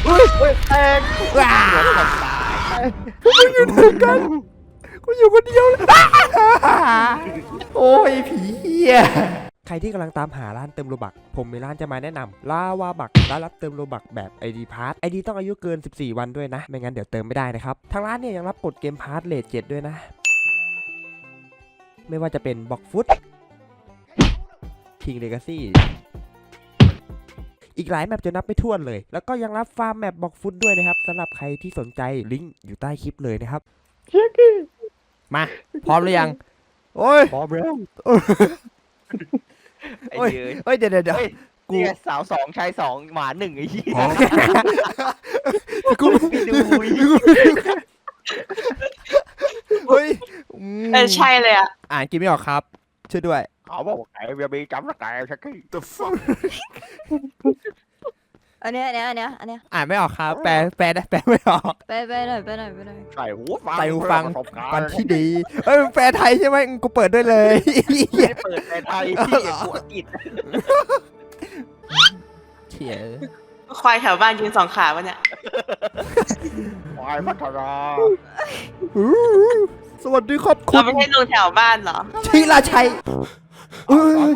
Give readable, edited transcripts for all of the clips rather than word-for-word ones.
แตกว้ากูไม่อยู่ถึงกันกูอยู่คนเดียวเลยโอ้ยผีเหี้ยใครที่กำลังตามหาร้านเติมโลบักผมมีร้านจะมาแนะนำลาวาบักร้านรับเติมโลบักแบบ ID พาร์ท ID ต้องอายุเกิน14วันด้วยนะไม่งั้นเดี๋ยวเติมไม่ได้นะครับทางร้านเนี่ยยังรับกดเกมพาร์ทเลท7ด้วยนะไม่ว่าจะเป็นบ็อกฟุตคิงเลกาซี่อีกหลายแมปจะนับไม่ถ้วนเลยแล้วก็ยังรับฟาร์มแมปบ็อกฟุตด้วยนะครับสำหรับใครที่สนใจลิงก์อยู่ใต้คลิปเลยนะครับมาพร้อมหรือยังโอ้ยพร้อมแล้วไอ้โอ้ยเย้ยเฮ้ยเดี๋ยว กูนี่ไงสาว2ชาย2หมา1ไอ้เหี้ยกูไปดูเฮ้ยใช่เลยอ่ะอ่านกินไม่ออกครับช่วยด้วยเขาบอกไก่เบียร์บีจำสกายชักกี้ The fuck อันเนี้ยอ่านไม่ออกครับแปลได้แปลไม่ออกไปหน่อยใส่หูฟังใส่หูฟังประสบการณ์กันที่ดีเอ้ยแปลไทยใช่ไหมกูเปิดด้วยเลยไม่ได้เปิดในไทยที่กูอังกฤษเฉียควายแถวบ้านยืน2 ขาวะเนี่ยควายพัฒนาสวัสดีครับคุเราณไม่ใช่ลุงแถวบ้านเหรอธีราชัยเอ้ย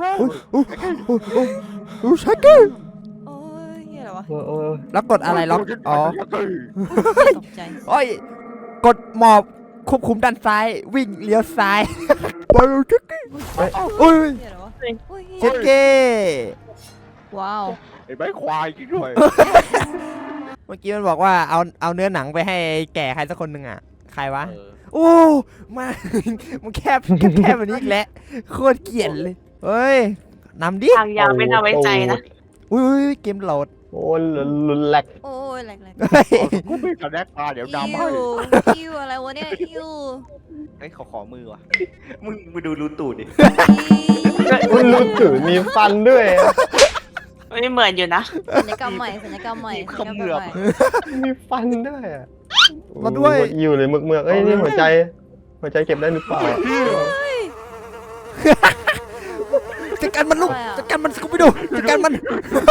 ชักกี้โอ้ยเฮียอะไรวะแล้วกดอะไรล็อกอ๋อตกใจโอ้ยกดหมอบควบคุมด้านซ้ายวิ่งเลี้ยวซ้ายไปเลยชักกี้โอ้ยเฮียอะไรวะโอ้ยชักกี้ว้าวไอ้ใบควายจริงด้วยเมื่อกี้มันบอกว่าเอาเนื้อหนังไปให้แก่ใครสักคนหนึ่งอ่ะใครวะเออโอ้มามันแคบแบบนี้อีกแล้วโคตรเกลียดเลยเฮ้ยนำดิทางยาวไม่น่าไว้ใจนะอุ้ยเกมโหลดโอ้ยลุนแหลกโอ้ยแหลกเฮ้ยกูไม่กระแดกตาเดี๋ยวดำให้อิวอะไรวะเนี่ยอิวเฮ้ยขอมือว่ะมึงดูรูตูดดิคุณรู้ถือมีฟันด้วยไม่เหมือนอยู่นะสัญญกรรมใหม่มีฟันด้วยอะมาด้วยโอ้อยู่เลยเมือกเอ้ยนี่หัวใจเก็บได้หรือเปล่าจัดการมันลูกจัดการมันกูไปดูจัดการมัน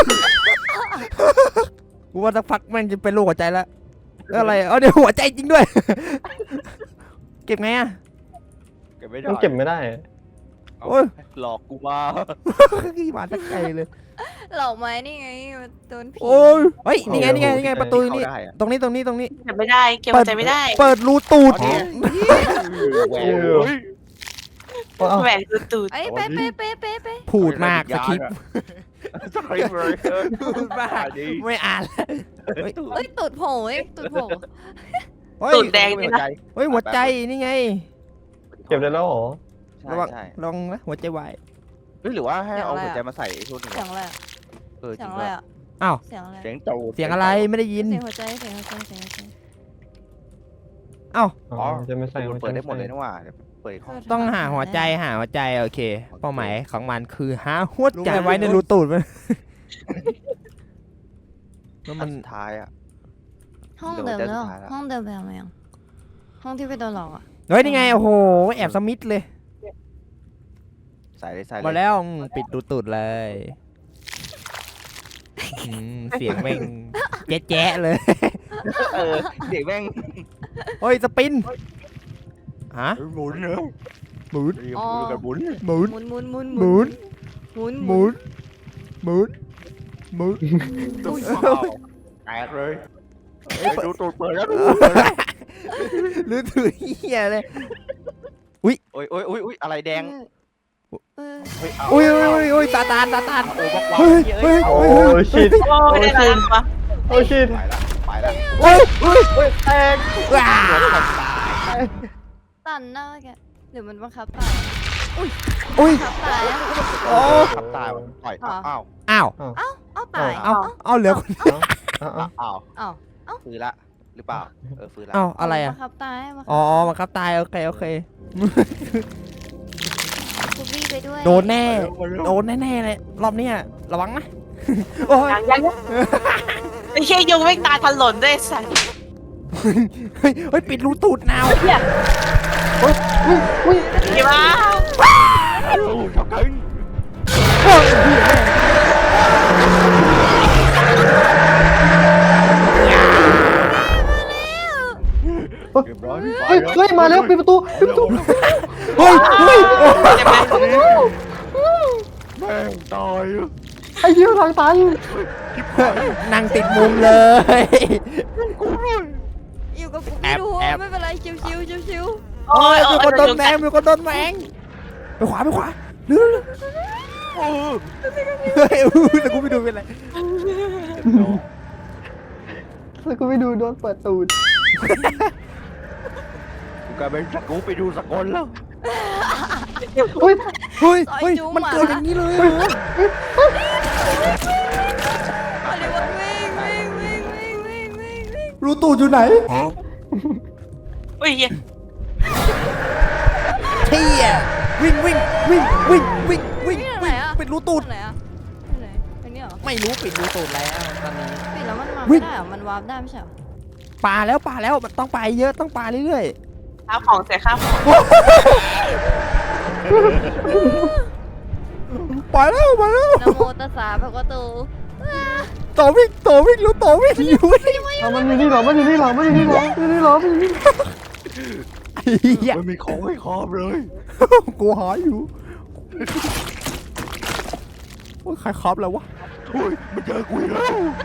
กูว่าสักพักมันจะเป็นลูกหัวใจแล้วอะไรเดี๋ยวหัวใจจริงด้วย เก็บไงอ่ะเก็บไม่ได้มันเก็บไม่ได้โอ้ยหลอกกูมาขี้หมาตะไคร้เลยเหล่าไม้นี่ไงโดนผีโอ้ยเฮ้ยนี่ไงประตูนี่เข้าได้อะตรงนี้เก็บไม่ได้เก็บใจไม่ได้เปิดรูตูดแหวนเฮ้ยแหวนตูดไอ้เป๊ะพูดมากสคริปต์สคริปต์เลยพูดมากไม่อ่านแล้วเอ้ยตูดโผล่ตูดโผล่เฮ้ยตูดแดงนี่นะเฮ้ยหัวใจนี่ไงเก็บได้แล้วเหรอระวังใช่ลองนะหัวใจวายเฮ้ยหรือว่าให้เอาหัวใจมาใส่ทุนเสียงอะไรเออจเสีริยงงอะไรด้วยอ่ะอ้าวเสียงอะไรเสียงตูดเสียงอะไรไม่ได้ยินเสียงหัวใจอ๋อจะไม่ใส่หัวใจเปิดได้หมดเลยนะว่าเปิดห้องต้องหาหัวใจโอเคเป้าหมายของมันคือหาหัวใจไว้ในรูตูดมันแล้วมัมัน นสุดท้ายอ่ะห้องเดิมแล้วห้องเดิมไปทำไมอ่ะห้องที่ไปโดนหลอกอ่ะเฮ้ยนี่ไงโอ้โหแอบสมิธเลยใส่เลยใส่เลยมาแล้วปิดรูตูดเลยเสียงแม่งแจ๊ะเลยเออเด็กแม่งเฮ้ยสปินฮะหมุนเนอะหมุนหมุนกันหมุนหมุนหมุนหมุนหมุนหมุนหมุนตุ๊กแตกเลยดูตูดเปิดแล้วหรือถือเหี้ยเลยโอ้ยอะไรแดงอุ้ยตาตานโอ้บอกว่าเฮ้ยโอ้ชิดโอ้ยได้แล้วปะโอ้ชิดไปแล้วเฮ้ยแตกว้าตันหน้าแกหรือมันบังคับตายอุ้ยบังคับตายโอ้ขับตายต่อยอ้าวอ้าวเอาตายเอาเหลือคนอ้าวเอาฟื้นละหรือเปล่าฟื้นละเอาอะไรอ่ะบังคับตายอ๋อมันครับตายโอเคกูบี้ไปด้วยโดนแน่เลยรอบนี้ระวังนะโอ้ยยังไอ้เชี่ยยุงไม่ตายถล่นด้วยสัตว์เฮ้ยปิดรูตูดนาวกี่บ้าช็อกกิ้งเรียบร้อยเฮ้ยเฮ้ยมาแล้วปิดประตูปิดประตูเฮ้ยเฮ้ยใช่ไหมแม่งตายไอ้เหี้ยทางตันนั่งติดมุมเลยอยู่กับกูแอไม่บดูแอบไม่เป็นไรชิวชิวโอ้ยมีคนโดนแมงมีคนโดนแมงไปขวาไปขวาเร็วเฮ้ยแต่กูไม่ดูเป็นไรแล้วก็ไปดูโดนเปิดตูดกูกลายเป็นกูไปดูสกลแล้วเฮ้ยเฮ้ยเฮ้ยมันเกิดอย่างนี้เลยเหรออะไรวะวิ่งรู้ตูดอยู่ไหนเฮ้ยเหี้ยเที่ยวิ่งวิ่งวิ่งวิ่งวิ่งวิ่งวิ่งไหนอะปิดรู้ตูดไหนอะไหนอันนี้เหรอไม่รู้ปิดรู้ตูดแล้วตอนนี้ปิดแล้วมันมาวิ่ไม่งได้เหรอมันวาร์ปได้ไม่ใช่เหรอปลาแล้วมันต้องไปเยอะต้องปลาเรื่อยข้าวของเสียข้าวของๆไปแล้วนะโมตัสสะพระกโตต่อวิ่งรู้ต่อวิ่งอยู่นี่เอามันอยู่นี่เหรอมันอยู่นี่เหรอมันอยู่นี่เหรอมันอยู่นี่เหรอมันอยู่นี่ไอ้เหี้ยมันมีของให้ครอบเลยกูหาอยู่โอ้ยใครครับแล้ววะโอ้ยมันเจอกูอีกแล้ว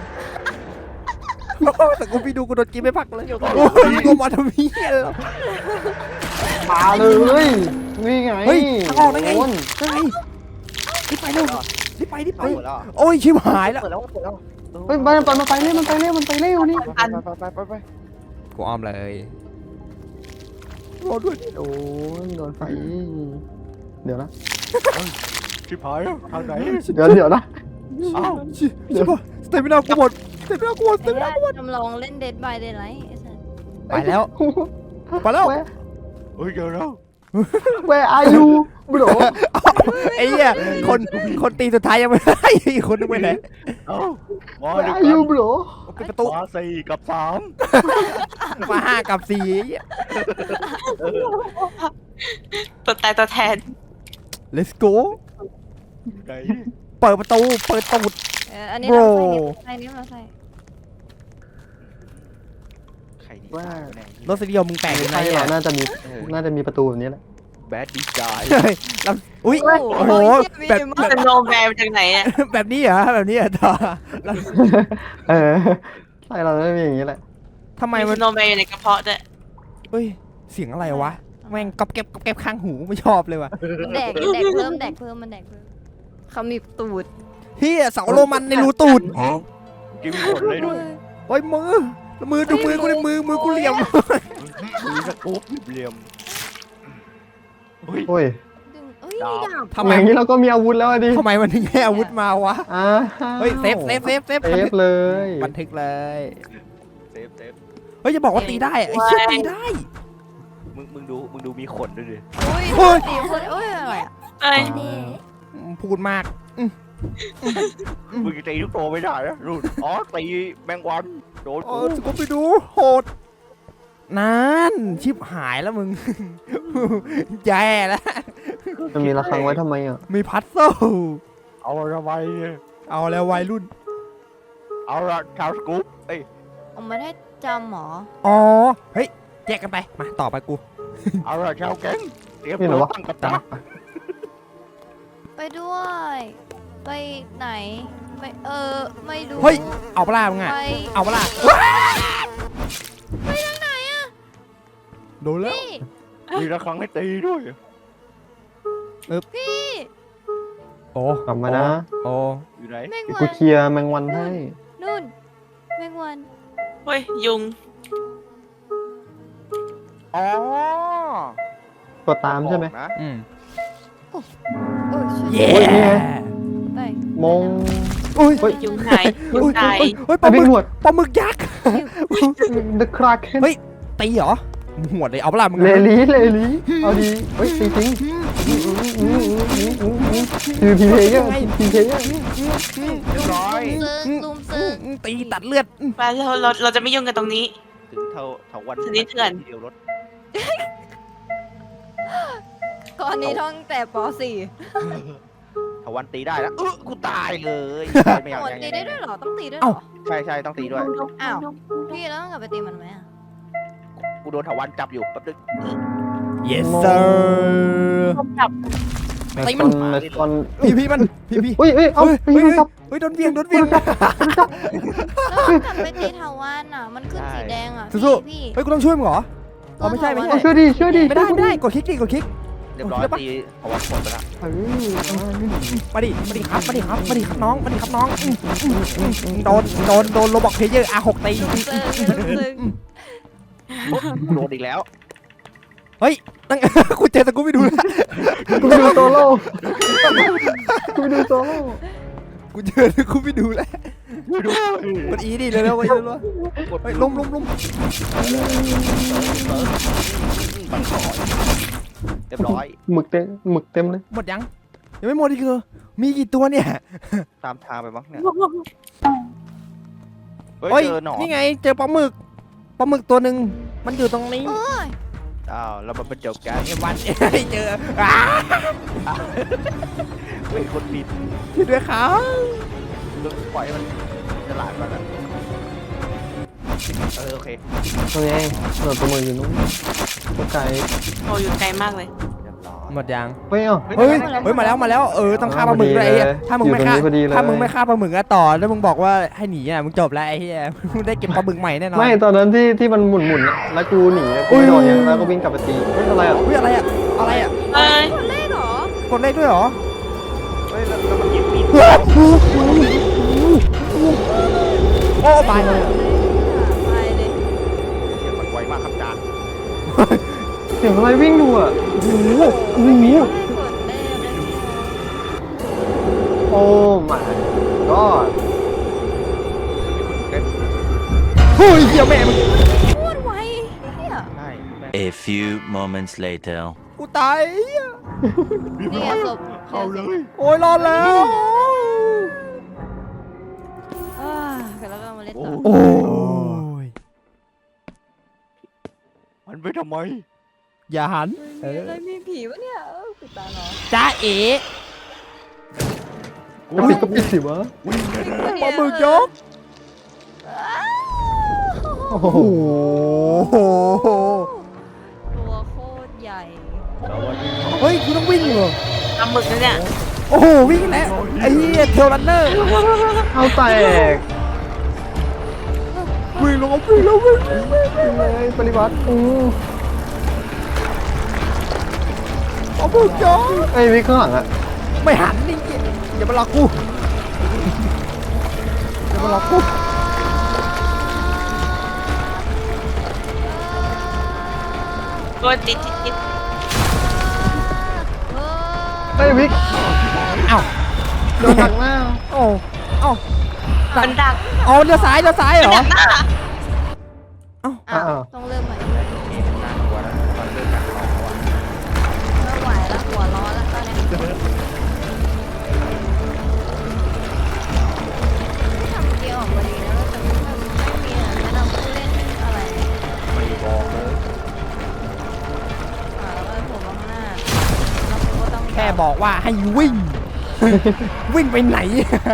แต่กูไปดูกูโดนกินไม่พักเลยโอ้ยกูมาทำเหี้ยแล้วมาเลยนี่ไงเฮ้ยทางออกได้ไงโดนได้ไงรีบไปเร็วรีบไปเอาหมดแล้วโอ้ยชิบหายแล้วเปิดแล้วเปิดแล้วเฮ้ยมันไปเร็วนี่ไปกูอ้อมเลยรอด้วยโอ้ยโดนไฟเดี๋ยวนะชิบหายแล้วทางไหนเดี๋ยวนะอ้าวชิบหายสเตมินากูหมดสเตมินากูหมดไอ้เนี่ยจำลองเล่น Dead by Daylight ไอ้สัสไปแล้วไปแล้วเฮ้ยเจอแล้ว Where are you bro ไอ้เหี้ยคนตีสุดท้ายยังไม่ได้อีกคนนึงไปไหนเอ้ามา Where ดู are กั you น bro ปิดประตูมา4 กับมา5 กับ 4 ตัวตายตัวแทน let's go 3ไหนเปิดประตูเปิดตูดอันนี้ Bro เราใส่นี่เราใส่ใครดีว่าแน่รสนิยมมึงแปลกยังไงใช่เหรเนี่อย น่าจะมีประตูแบบนี้แหละแบดดีใจเฮ้ยแล้วอุ้ยโอ้โหแบบเป็นโนแมนจากไหนอ่ะแบบนี้เหรอแบบนี้เหรอต่อแล้วเออใช่เราจะมีอย่างนี้แหละทำไมมีมันโนแมนอยู่ในกระเพาะด้วยเฮ้ยเสียงอะไรวะแม่งก๊อบแก๊บข้างหูไม่ชอบเลยว่ะแดกเพิ่มมันแดกเพิ่มเขามีตูดเฮียเสาโรมันในรูตูดกินหมดเลยด้วยโอ้ยมือดูมือกูเลยมือกูเหลี่ยมมีสกู๊ปเหลี่ยมเฮ้ยโอ้ยดึงเอ้ยมีดาบทำไมอย่างนี้เราก็มีอาวุธแล้วอะดิทำไมมันถึงให้อาวุธมาวะอ่าเฮ้ยเซฟเซฟเลยบันทึกเลยเซฟเฮ้ยจะบอกว่าตีได้ไอ้เชี่ยตีได้มึงดูมีขนด้วยดิอุ้ยโอ้ยตีคนเอ้ยอะไรอะเอ้ยพูดมากมึงจะตีทุกตัวไม่ได้นะรุ่นอ๋อตีแมงวันโดนโอ้กูสกูไปดูโหดนั่นชิบหายแล้วมึง แย่แล้วมันมีระฆังไว้ทำไมอ่ะมีพัซเซิลเอาละไว้เอาแล้ววัยรุ่นเอาละชาวสกู๊ปเอ้ยเอามาได้จำหมออ๋อเฮ้ยแยกกันไปมาต่อไปกูเอาละชาวแก๊งเตรียมนี่เหรตัอววะตั้งกับดักไปด้วย ไปไหนไปไม่รู้เฮ้ยเอาปลามึงอ่ะไปเอาปลาไปทางไหนอะโดนแล้วพี่มีระฆังให้ตีด้วยพี่โอ้กลับมานะโอ้อยู่ไหนแมงเดี๋ยววักูนเคลียร์แมงวันให้นู่นแมงวันเฮ้ยยุงอ๋อกดตามใช่ไหมนะอืมโอ้ยช่วยเย้โอ้ยนี่ไงไปมงอุ้ยเฮ้ยยุงหายยุงตายเฮ้ยปไอ้ลาหมึบิ๊กกหนวดปลาหมึกยักษ์ The Kraken เฮ้ย ตีเหรอมึงหวดเลยเอาปลามึงเลอะลี่เอาดีเฮ้ยจริงทีพีเพย์เยอะทีเพย์เยอะเรียบร้อยลุมซึ้งตีตัดเลือดไปเราจะไม่ยุ่งกันตรงนี้ถึงเท่าวันชนิดเถื่อนเดียวรถก่อนนี้ท่องแต่ป .4 เท่าวันตีได้แล้วกูตายเลยไม่อยากโหดยังตีได้ด้วยเหรอ ต้องตีด้วยเหรอใช่ต้องตีด้วยอ้าว พี่แล้วต้องกลับไปตีมันไหมอะกูโดนถาวันจับอยู่แป๊บนึง yes sir ผมจับตีมันในตอนพี่มันพี่เฮ้ยเอ้าเฮ้ยพี่ครับเฮ้ยโดนเวียงโดนเวียงแล้วกลับไปตีถาวรอ่ะ มันขึ้นสีแดงอ่ะสู้พี่เฮ้ยกูต้องช่วยมึงเหรอ อ๋อไม่ใช่เอาช่วยดิช่วยดิไม่ได้กดคลิกดิกดคลิกเรียบร้อยตีถาวันหมดไปแล้วมาดิครับน้องโดนโรบอกเพลเยอร์ R6 ตีโดนอีกแล้วตั้ง กูเจอแต่กูไม่ดูแล้วกูไปดูโซโล่กูไปดูโซโล่กูเจอแต่กูไม่ดูแล้วกดอีดิเร็วๆไปเร็วๆเฮ้ยลุมเรียบร้อยหมึกเต็มเลยหมดยังไม่หมดอีกเหรอมีกี่ตัวเนี่ยตามทางไปมั้งเนี่ยเฮ้ยเจอหนอนนี่ไงเจอปลาหมึกตัวหนึ่งมันอยู่ตรงนี้โอ้ยอ้าวแล้วมันเป็นจบกันไอ้วันเจอเฮ้ยคนผิดช่วยด้วยครับลึกปล่อยมันฉลาดก่อนนะโอเคตัวไงตัวมืออยู่นู้นตัวไกลโอ้อยู่ไกลมากเลยเรียบร้อยหมดยังเฮ้ยเอ้าเฮ้ยมาแล้วต้องฆ่าปลาหมึกด้วยไอ้เหี้ยถ้ามึงไม่ฆ่าอยู่ตรงนี้พอดีเลยถ้ามึงไม่ฆ่าปลาหมึกอะต่อแล้วมึงบอกว่าให้หนีอะมึงจบแล้วไอ้เหี้ยมึงได้เก็บปลาหมึกใหม่แน่นอนไม่ตอนนั้นที่มันหมุนอะแล้วกูหนีอะกูไม่โดนยังแล้วก็วิ่งกลับไปตีเฮ้ยอะไรอ่ะเฮ้ยอะไรอะเอ้ยคนเลขเหรอกดเลขด้วยเหรอเฮ้ยแล้วมันยิงมีดโอ้ตายไปเลยเสียงมันไวมากครับจานเสียงอะไรวิ่งดูอ่ะไม่กดเลขเลยโอ้ my god เฮ้ยเหี้ยแม่มึงพูดไวเนี่ยใช่แม่ง A few moments later. กูตายเหี้ยนี่ไงศพเข้าเลยโอ้ยรอดแล้วแล้วก็มาเล่นต่อโอ้ยมันไปทำไมอย่าหันมีอะไรมีผีวะเนี่ยปิดตาเนาะจ้าเอ๋ก็ปิดก็ปิดสิวะปลาหมึกยกโอ้โหโอ้โหตัวโคตรใหญ่เฮ้ยกูต้องวิ่งเหรอปลาหมึกนะเนี่ยโอ้โหวิ่งแล้วไอ้เหี้ยเทลรันเนอร์เอาแตกวิ่งแล้วเลยปฏิวัติปลาหมึกยกไอ้วิข้างหลังอ่ะไม่หันนี่อย่ามาหลอกกูอย่ามาหลอกกูตัวติดไอ้วิกเอ้าโดนหักหน้าโอ้เอ้ามันดักเอาเลี้ยวซ้ายเหรอดักหน้าอ้าวต้องเริ่มใหม่เกมน่ากลัวนะตอนเริ่มจากสองวันไม่ไหวแล้วหัวร้อนแล้วตอนนี้ทำเกียร์ออกมาดีนะแต่ไม่มีแนะนำผู้เล่นอะไรไม่บอกเลยแล้วก็ผมข้างหน้าแล้วผมก็ต้องแค่บอกว่าให้วิ่ง วิ่งไปไหน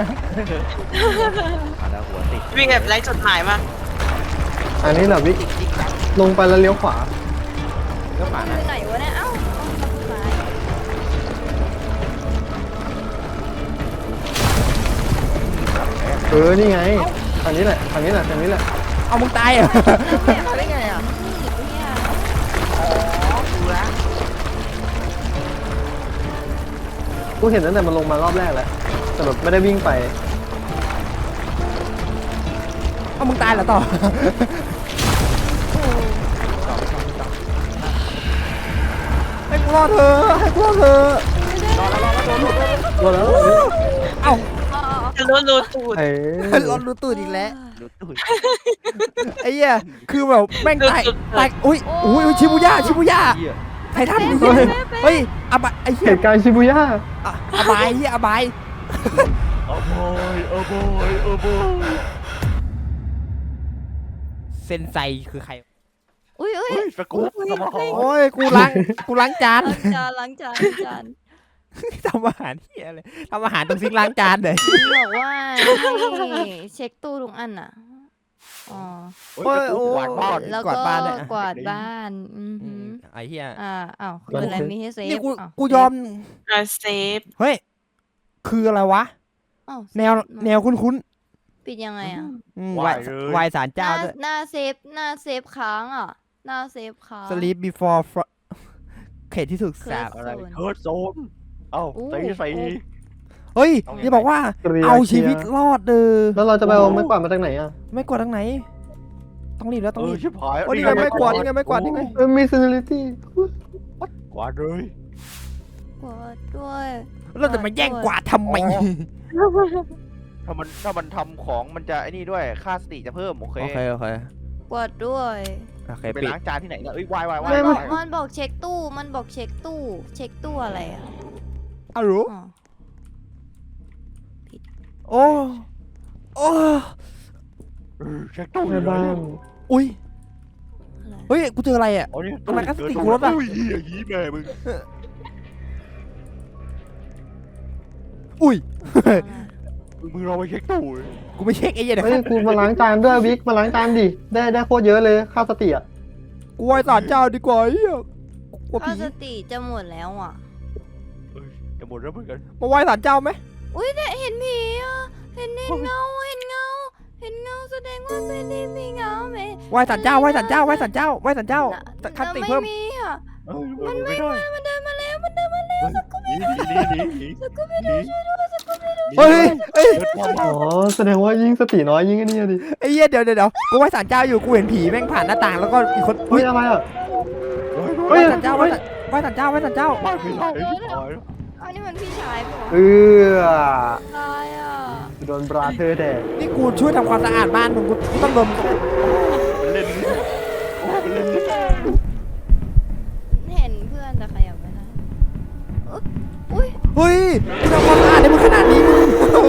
มาแล้วหัวติดวิ่งแบบไร้จุดหมายมากอันนี้แหละวิกลงไปแล้วเลี้ยวขวาก็ผ่านไปไหนวะเนี่ยเอ้าซ้ายนี่ไงอันนี้แหละเอามึงตายเหรอมาได้ไงอ่ะเนี่ยอ๋อดูแล้วกูเห็นตั้งแต่มันลงมารอบแรกแล้วแต่แบบไม่ได้วิ่งไปเอามึงตายเหรอต่อ ให้กูรอดเธอะให้กูรอดเธอะรอแล้วเอ้าจะรู้ตูดเอ้รอดรู้ตูดอีกแล้วดูตุ้ยไอ้เหี้ยคือแบบแม่งตายอุ้ยชิบูย่าเหี้ยไททันเฮ้ยอบายไอ้เหี้เหยตุการณ์ชิบูย่าอบายเหี้ยอบายโอ้โบยโอ้โบยโอ้โบยเซนไซคือใครอุ้ยเฮ้ยสกู๊ปสมองโอ้ยกูล้างจานล้างจานทำอาหารเหี้ยเลยทำอาหารตรงซิงค์ล้างจานเลยมันบอกว่าให้เช็คตู้ทุกอันอ่ะอ๋อเฮ้ยกวาดบ้านแล้วกวาก็ดบ้านด้วยอะกวาดบ้านไอ้เหี้ยอ้าวคืออะไรมีให้เซฟนี่กูอ้าวกูยอมเซฟเฮ้ยคืออะไรวะอ้าวแนวคุ้นปิดยังไงอ่ะๆไหวสารเจ้าด้วยหน้าเซฟค้างอ่ะ หน้าเซฟค้าง sleep before เขตที่ถูกสาบอะไรเฮิร์ตโซนเอ้าตีใส่เฮ้ยเอาไงนี่บอกว่าเคลียร์เอาชีวิตรอดเด้อแล้วเราจะไปเอาไม้กวาดมาจากไหนอ่ะไม่กดทางไหน ต้องรีบแล้วต้องรีบชิบหายโอ้ยนี่ไงไม่กวาดนี่ไงไม่กวาดนี่ไงมีซีเนลิตี้กวาดเลยกวาดด้วยเราจะมาแย่งกวาดทำไมถ้ามันทำของมันจะไอ้นี่ด้วยค่าสติจะเพิ่มโอเคโอเคโอเคกวาดด้วยโอเคไปปิดล้างจานที่ไหนเนี่ยเอ้ยวายวายมันบอกเช็คตู้ มันบอกเช็คตู้ เช็คตู้อะไรอ่ะอ้าวรู้อ๋อโอ้โอ้เช็คตู้ในบ้านอุ้ยอะไรเฮ้ยกูเจออะไรอ่ะ ทำไมพลาสติกรถอะอุ้ยเหี้ยยีแม่มึงอุ้ยมึงเราไปเช็คตู้เลยกูไม่เช็คไอ้เหี้ยเดี๋ยวเฮ้ยกูมาล้างจานด้วยวิกมาล้างจานดิได้โคตรเยอะเลยค่าสติอ่ะกูไหว้ศาลเจ้าดีกว่าไอ้เหี้ยกลัวค่าผีสติจะหมดแล้วอ่ะจะหมดแล้วเหมือนกันมาไหว้ศาลเจ้าไหมอุ้ยแต่เห็นผีอ่ะ เห็นเงาแสดงว่าไม่ได้มีเงาไหมไหว้ศาลเจ้าไหว้ศาลเจ้าไหว้ศาลเจ้าไหว้ศาลเจ้าคันติเพิ่มไม่มีอ่ะมันไม่ได้มันเดินมาแล้วสักกูไม่หนีเฮ้ยเฮ้ยอ๋อแสดงว่ายิ่งสติน้อยยิ่งไอ้นี่ดิไอ้เหี้ยเดี๋ยวกูไหว้ศาลเจ้าอยู่กูเห็นผีแม่งผ่านหน้าต่างแล้วก็อีกคนเฮ้ยอะไรอ่ะไหว้ศาลเจ้าไหว้ศาลเจ้าไหว้ศาลเจ้าบ้านไม่ได้ชิบหายอันนี้มันพี่ชายปะเออตายอ่ะโดนบราเธอร์แดกนี่กูช่วยทำความสะอาดบ้านมึงกูต้องโดนมันเล่นมันเล่นเห็นเพื่อนแต่ขยับไม่ได้อุ้ยเฮ้ยกูทำความสะอาดให้มึงขนาดนี้มึง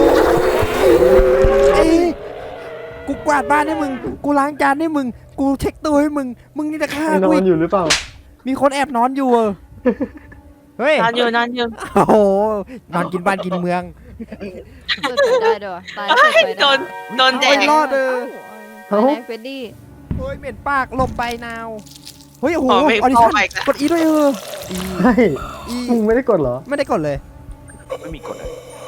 ไอ้กูกวาดบ้านให้มึงกูล้างจานให้มึงกูเช็คตัวให้มึงนี่จะฆ่าไอ้นกูออีนกอยู่หรือเปล่ามีคนแอบนอนอยู่เฮ้ยนอนอยู่โอ้โหนอนกินบ้านกินเมืองเกิดไปได้ด้วยตายเกิดไปได้โดนแดโอ้งยรอดเลยตายแดงเฟดดี้โอ้ยเหม็นปากหลบไปนาวเฮ้ยโอ้โหขอไปออดิขอชั่นไปกันกดอีด้วยอีใช่อีมึงไม่ได้กดเหรอไม่ได้กดเลยไม่มีกฎอะ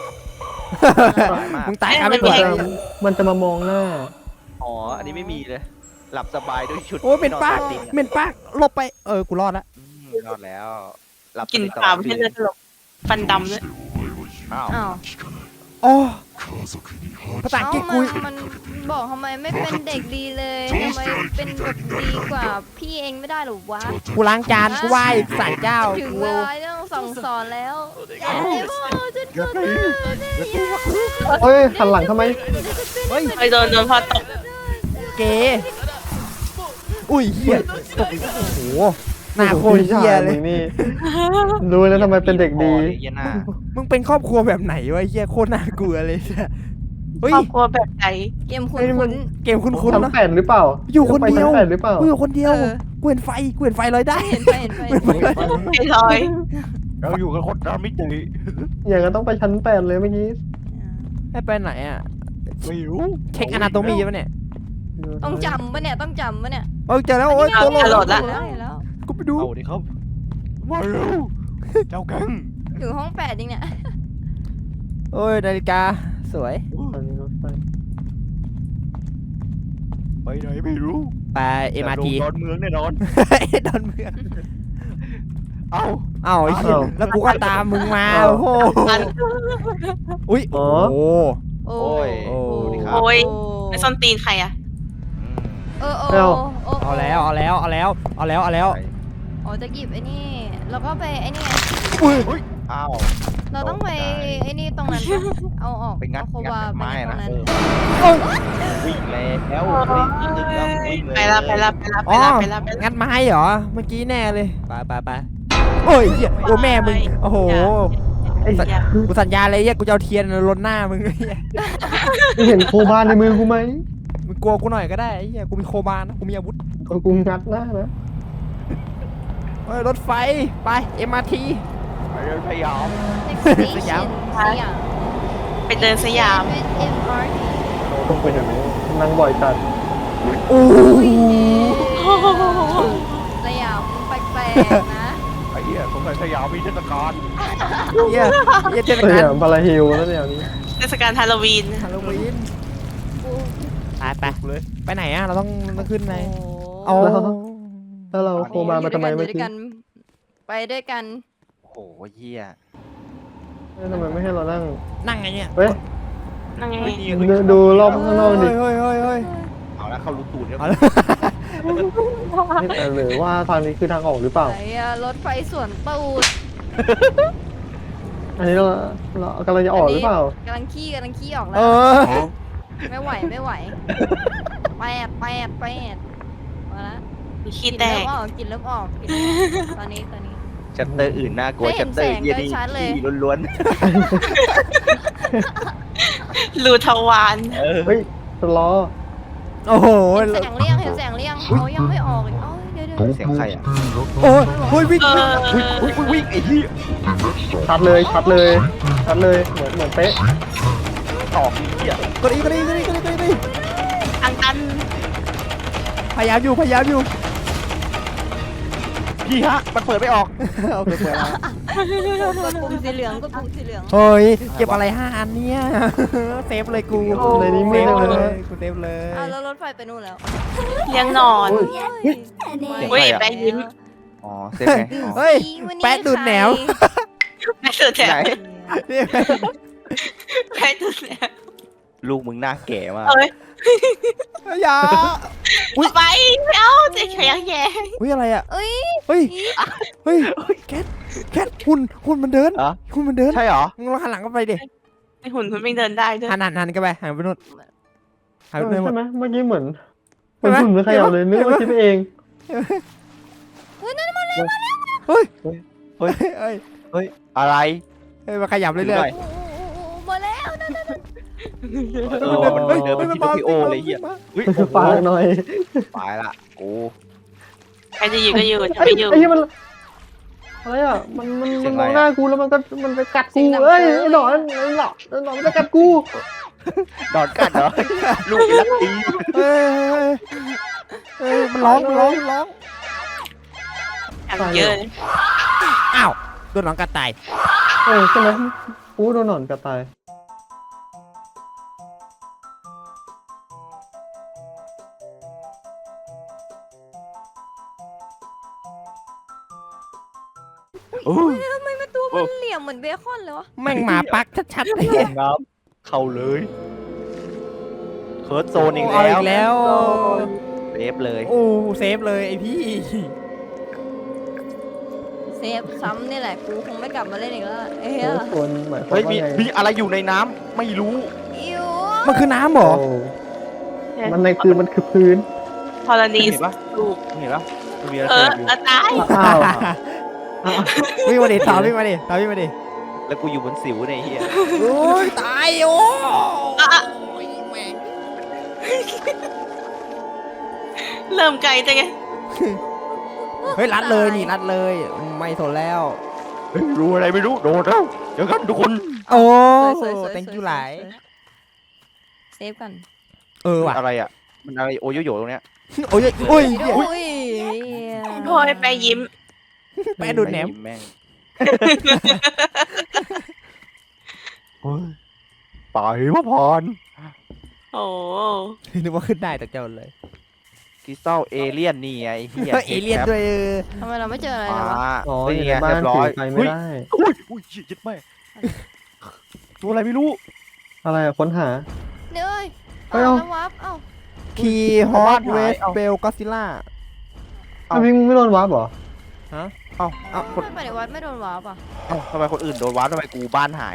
มึงตายครับไม่กดมันจะมามองหน้าอ๋ออันนี้ไม่มีเลย หลับสบายด้วยชุดโอ้ยเหม็นปากติดเหม็นปากหลบไปกูรอดละนอนแล้ว หลับกินสปลาบายไม่ใช่เลือดตลกฟันดำด้วยอ้าวอ้าวโอ้ภาษาอังกฤษกูมันบอกทำไมไม่เป็นเด็กดีเลยทำไมเป็นแบบดีกว่าพี่เองไม่ได้หรอวะกูล้างจานกูไหว้ศาลเจ้าถึงกูเวลาต้องสั่งสอนแล้วอย่าให้พ่อฉันก็ได้เฮ้ยหันหลังทำไมเฮ้ยไปโดนพ่อตบเก๋อุ้ยเฮียตกโอ้โหหน้าโคตรเฮียเลยมึงนี่รู้แล้วทำไมเป็นเด็กดีเหี้ยหน้ามึงเป็นครอบครัวแบบไหนวะเฮียโคตรน่ากลัวเลยเฮ้ยครอบครัวแบบไหนเกมคุ้เฮ้ยมันนเกมคุ้นชั้ๆนนะแปดหรือเปล่าอยู่คนเดียวไปชั้นแปดหรือเปล่ากูอยู่คนเดียวเออกูเห็นไฟลอยได้เห็นไปไอ้ลอยเราอยู่กันคนละมิติอย่างนั้นต้องไปชั้นแปดเลยเมื่อกี้ให้ไปไหนอ่ะไม่รู้เช็คอนาโตมีป่ะเนี่ยต้องจำปะเนี่ยต้องจำปะเนี่ยเจอแล้วโอ้ยตัวโหลโหลดดละแล้วเห็นแล้วกูไปดูเอาดิครับมาเร็วเจ้าแก๊งอยู่ห้อง8จริงเนี่ยโอ้ยนาฬิกาสวยไปไหนไม่รู้ไป MRT ดอนเมืองแน่นอนดอนเมืองเอ้าเอ้าไอ้เหี้ยแล้วกูก็ตามมึงมาโอ้โหอันอุ้ยโอ้โหโอ้โอ้ยโอ้ดูดิครับโอ้ย ไอ้ส้นตีนใครอะเอาแล้วอ๋อจะหยิบไอ้นี่แล้วก็ไปไอ้นี่อุ้ยอ้าวเราต้องไปไอ้นี่ตรงนั้นเอาออกไปงัดเอาโควาไม้ไปตรนะงนั้นวิ่งแล้ววิ่งแล้ววิ่งเลยไปละอ๋อไปละงัดไม้เหรอเมื่อกี้แน่เลยไปโอ้ยเหี้ยโอ้แม่มึงโอ้โหไอ้อย่ากูสัญญาเลยเหี้ยกูจะเอาเทียนรนหน้ามึงไอ้เหี้ยมึงเห็นโคบานในมือกูไหมมึงกลัวกูหน่อยก็ได้ไอ้เหี้ยกูมีโคบานนะกูมีอาวุธกูงัดหน้านะเฮ้ยรถไฟไป MRT ไปเดินพยายามสยามมไปเดินสยามเป็น MRT ต้องไปเห็นนั่งบ่อยจัดโอ้ยสยามแปลกๆนะไอ้เหี้ยสงสัยสยามมีเทศกาลเหี้ยเทศเฮ้ยกาลบาราฮิลแล้วเนี่ยนี้เทศกาลฮาโลวีนฮาโลวีนไปเลยไปไหนอะเราต้องขึ้นไหนโอ้เอาแล้วเราโคบามาทำไมอยู่เมื่ด้อวยกี้กันไปด้วยกันโอ้โหเหี้ยทำไมไม่ให้เรานั่งนั่งไงเนี่ยเฮ้ยนั่งไงดูรอบข้างนอกดิเฮ้ยเอาละเข้ารูตูดเนี่ยเอาละหรือว่าทางนี้คือทางออกหรือเปล่าไหนอะรถไฟสวนตูดอันนี้เรากำลังจะออกหรือเปล่ากำลังขี้ออกแล้เอวอไม่ไหวแปดมาละมีกขี้ลิ่นแตเริ่กมออกกลิ่นเริ่มออกตอนนี้ชัตเตอร์อื่นน่ากลัวไม่เห็ชันตเตอร์แสงเหี้ยโดยนี่ชัดเลยขี้ล้วนรูทวารๆเฮ้ยสล้อโอ้โหเห็นแสงเลี่ยงเขายังไม่ออกอีกเดี๋ยวเสียงใครอ่ะโอ้ยเฮ้ยวิ่งเออวิ่งไอ้เหี้ยชัดเลยเหมือนเป๊ะต่อเหี้ยกดอีกทางตันพยายามอยู่พี่ฮะมันเปิดไม่ออกโอเคเปิดแล้วกดปุ่มสีเหลืองเฮ้ยเก็บอะไร5 อันเนี่ยเซฟเลยกูในนี้เซมืดฟเลยเลยกูเซฟเลยแล้วรถไฟไปนู่นแล้วเลี้ยงนอน เฮ้ยแปะยิ้มอ๋อเซฟไงอ๋อเฮ้ย แปะดูดแหนวแม่สุดแถไหนวนี่แม่สุดแถวลูกมึงหน้าแก่มากเอ้ยอย่าไปไม่เอาเจ๊ขยังแย่อุ้ยอะไรอ่ะเอ้ยเฮ้ยแคทหุ่นมันเดินอะหุ่นมันเดินใช่เหรอมึงลองหันหลังกันไปดิไอหุ่นมันไม่เดินได้ด้วยหันกันไปหันไปนู่นหันไปนู่นใช่ไหมเมื่อกี้เหมือนเห็นไหมหุ่นไม่ขยับเลยนึกว่าคิดไปเองเฮ้ยเฮ้ยเฮ้ยอะไรเฮ้ยมาขยับเรื่อยหน่โมาแล้วๆมันเดินไปที่โตคิโอเลยเหี้ยเฮ้ยโอ้โหฝากหน่อยตายละกูใครจะอยู่ก็อยู่จะไม่อยู่ไอ้ที่มันอะไรอ่ะมันมองหน้ากูแล้วมันไปกัดกูเอ้ยไอ้หนอนมันจะกัดกูดอนกัดเหรอ ลูกเป็นลักตีเฮ้ยมันร้องอย่างเยอะเลยอ้าวโดนหลังกัดตายใช่ไหมกูโดนหนอนกัดตายโอ้ยทำไมมันตัวมันเหลี่ยมเหมือนเบคอนเลยวะแม่งหมาปักชัดๆเลยน้ำเข้าเลยเคิร์ดโซนอีกเอาแล้อีวกแล้วเซฟเลยโอ้เซฟเลยไอพี่เซฟซ้ำนี่แหละกูคงไม่กลับมาเล่นอีกแล้วเอ้ยคนหมายความเฮ้ยว่ามีไงมีอะไรอยู่ในน้ำไม่รู้อิวมันคือน้ำเหรอโอ้มันในคือมันคือพื้นพอลนีเห็สนปะลูกเห็นปะมันมีอะไรเอออยู่ตายอ้าววิ่งมาดิต่อวิ่งมาดิแล้วกูอยู่บนสิวเนี่ยไอ้เฮียโอ้ยตายโอ้เริ่มไกลจังไงเฮ้ยรัดเลยนี่รัดเลยไม่สนแล้วเฮ้ยรู้อะไรไม่รู้โดดแล้วเดี๋ยวกันทุกคนโอ้สวยๆ thank you หลายเซฟกันเออว่ะอะไรอ่ะมันอะไรโอโยโย่ตรงเนี้ยโอ้ยโอ้ยโอ้ยโอ้ยไปยิ้มแปะดูดแหนมแม่งเฮ้ยไปพระพรโอ้นึกว่าขึ้นได้แต่เจ้าเลยคริสตัลเอเลี่ยนนี่ไงไอ้เฮียเอเลี่ยนด้วยทำไมเราไม่เจออะไรมาเลยวะอ๋ออนี่ยู่ไงในบ้านเรียบร้ถือยอไฟไม่ได้อุ้ยอุ้ยยึดแม่ตัวอะไรไม่รู้อะไรอะค้นหาเดี๋ยวเฮ้ยเอาแล้ววับเอ้าคีฮอตเวสเบลก็ซิล่าอ้าวพี่มึงไม่โดนวาร์ปเหรอเอ้าไม่ไปในวัดไม่โดนวับอ่ะเอ้าทำไมคนอื่นโดนวาร์ปทำไมกูบ้านหาย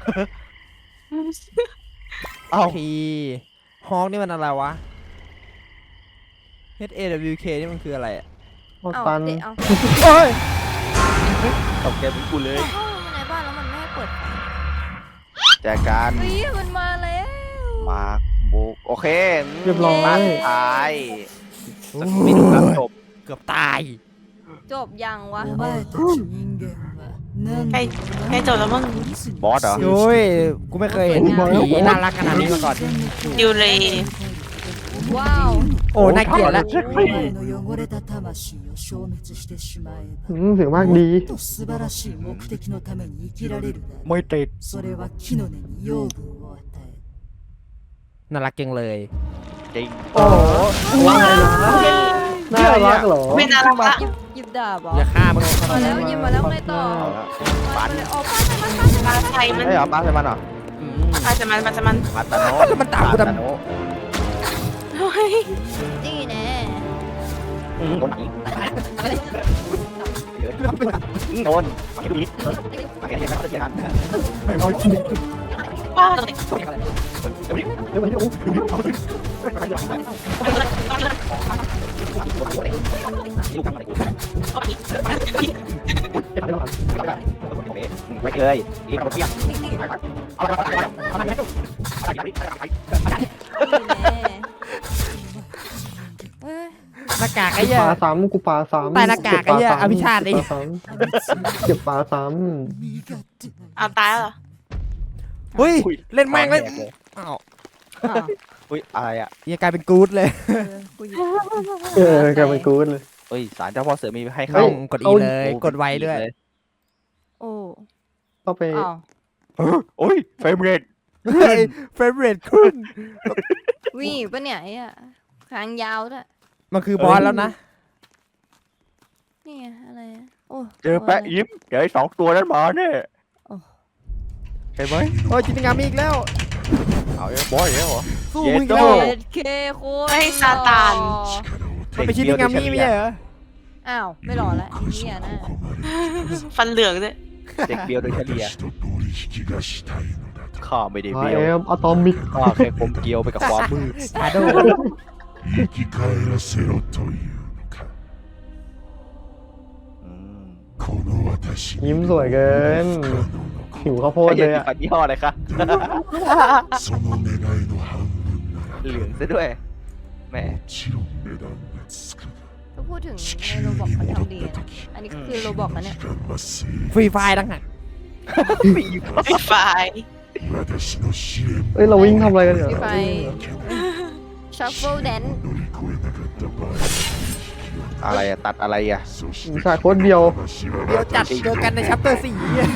เอ้าคีฮอกนี่มันอะไรวะ HAWK นี่มันคืออะไรอ่ะโอ้เอ้าตันเดี๋ยวเอาโอ้ยตกเกมเหมือนกูเลยเข้ามาในบ้านแล้วมันไม่ให้เปิดไฟจากการเฮ้ยมันมาแล้วมาบุกโอเคเรียบร้อยบ้านท้ายสักนิดแล้วจบเกือบตายจบยังวะใกล้ใกล้จบแล้วมั้งบอสเหรอโอ้ย กูไม่เคยเห็นผีน่ารักขนาดนี้มาก่อนดิวเลยว้าวโอ้น่าเกลียดแล้วเสียงมากดีไม่ติดน่ารักจังเลยจริงโอ้ว่าไงนะน่ารักเหรอไม่น่ารักละหยิบดาบเหรออย่าฆ่ามันมาแล้วหยิบมาแล้วไงต่อปันออกป้าใส่มันปลาไทยมันไม่เหรอป้าใช่มันเหรอปลาจะมันปลาจะมันปัตตาโนแล้วมันตามกูทำเฮ้ยนี่แน่โดนโดนนิดป้าตรงไหนไม่เคยอีกคนเพี้ยนี่แน่ เฮ้ยหน้ากากกูไอ้เหี้ยปลาซ้ำกูปลาซ้ำใต้หน้ากากไอ้เหี้ยอภิชาติไอ้เก็บปลาซ้เอาตายแล้วเหรอเฮ้ยเล่นแม่งเลยอ้าวอ้าวอุ้ยอะไรอ่ะเหี้ยกลายเป็นกู๊ดเลยกูหยิบำกลายเป็นกูดเลยเฮ้ยสารเจ้าพ่อเสือมีให้ต้เข้าองกดอีเลยกดไวด้วยโอ้เข้าไปอ้าวโอ้ยเฟรมเรทเฟรมเรทขึ้นวิ่งปะเนี่ยไอ้อะหางยาวด้วยมันคือบอสแล้วนะนี่ไงอะไรอะโอ้เจอแปะยิ้มเดี๋ยวไอ้2 ตัวนั้นมาเนี่ยเห็นไหมโอ้ยจินงามีอีกแล้วเอาไอ้บอยแล้วเหรอสู้เย็มึดงอีกโต้แล้วเอ็ดเคโคตรไม่ซาตานมันเป็นชินิงามีไม่ใช่เหรออ้าวไม่หล่อละไอ้เนี่ยนะฟันเหลืองด้วยเด็กเบียวโดยเฉลี่ยข้าไม่ได้ไอเบียวเอ็มอะตอมิกข้าแค่กลมเกลียวไปกับความมืดชาโด生き返らせろというのかこの私ยิ้มสวยเกินหิวข้าวโพดไอ้เลเหี้ยยมีอะฟันยี่ห้ออะไรคะその願いの半分なเหลืองซะด้วยแหมらもちろん値段がつくがถ้าพูดถึงในโรบอกมันทำดีนะอันนี้คือโรบอกนะเนี่ย時間は正ฟรีไฟล์ต่างหากไฟไฟ義私の試練เอ้ยเราวิ่งทำอะไรกันเนี่ยพี่ไฟชัฟเฟิลแดน乗り越えなかった場合อะไรอะตัดอะไรอะそしมีてฉากโคตรเดียว私はเดี๋ยวจัดเจอกันในชัปเตอร์4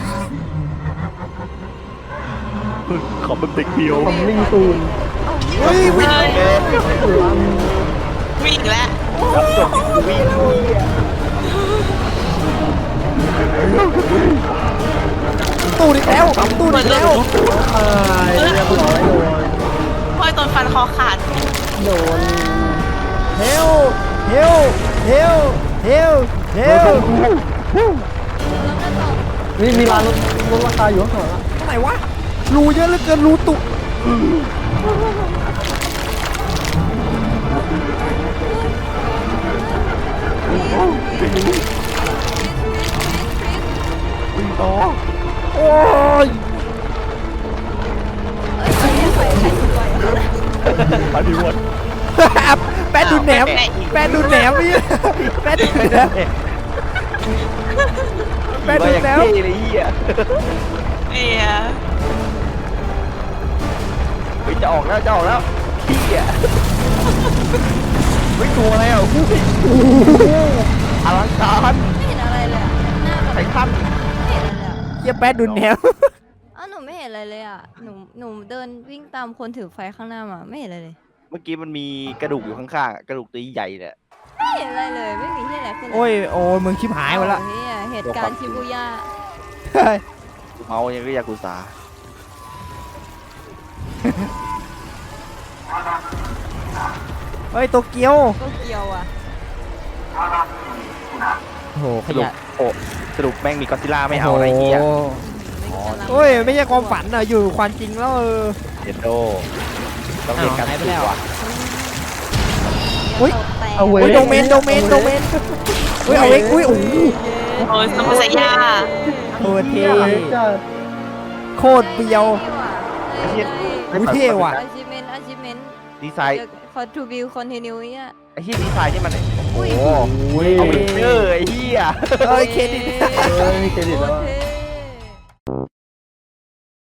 ขอเป็นเด็กเบียวทำมิ่งซูนเฮ้ยวิ่งวิ่งแล้วรับจบวิ่งตูดอีกแล้วตูดอีกแล้วตายเรียบร้อยโดนพ่อยตนฟันคอขาดโดนเฮลเฮลเฮลเฮลเฮลนี่มีร้านลดราคาอยู่ข้างหลังอะตรงไหนวะรูเยอะเหลือเกินรูตุกวิ่งต่อโอ้ยปฏิวัติแปดดูแหนมแปดดูแหนมพี่แปดดูแหนมแปดดูอย่างแหนมเท่เลยเหี้ยเอียเฮ้ยจะออกแล้วเหี้ยเฮ้ยตัวอะไรอ่ะโอ้โหอลังการไม่เห็นอะไรเลยอะหน้าแบบไททันไม่เห็นอะไรเลยอะเฮียแปดดูแหนมอ้าวหนูไม่เห็นอะไรเลยอ่ะหนูเดินวิ่งตามคนถือไฟข้างหน้ามาไม่เห็นอะไรเลยเมื่อกี้มันมีกระดูกอยู่ข้างๆอะกระดูกตัวใหญ่เนี่ยไม่เห็นอะไรเลยไม่มีที่ไหนขึ้นเลยโอ้ยโอ้ยมึงชิบหายหมดละเหี้ยเหตุการณ์ชิบูย่าเมายังก็ยากุซ่าเฮ้ยโตเกียวก็เกียวอ่ะโอ้โหขสรุปยะโอ้สรุปแม่งมีก็อดซิลล่าไม่เอาอะไรเงี้ยโโอ้ยไม่ใช่ความฝันอะอยู่ความจริงแล้วเดนโดต้องเรียนการหายไปสู้แล้วว่ะอุ๊ยเอาเว้โอ้ยโดเมนเฮ้ยเอาเอ็กอุ้ยโอ้โหโอ้ยสมุทรสายาโคตรเท่จะโคตรเบียว อุ๊ยเท่ว่ะอาชิเมนดีไซน์คอนทูบิวคอนติเนียอ่ะไอ้ที่ดีไซน์นี่มันอุ้ยโอ้โอ้ยเอาไปเจอไอ้เหี้ยเอ้ยเครดิตเอ้ยเครดิตแล้วอะโคตรเท่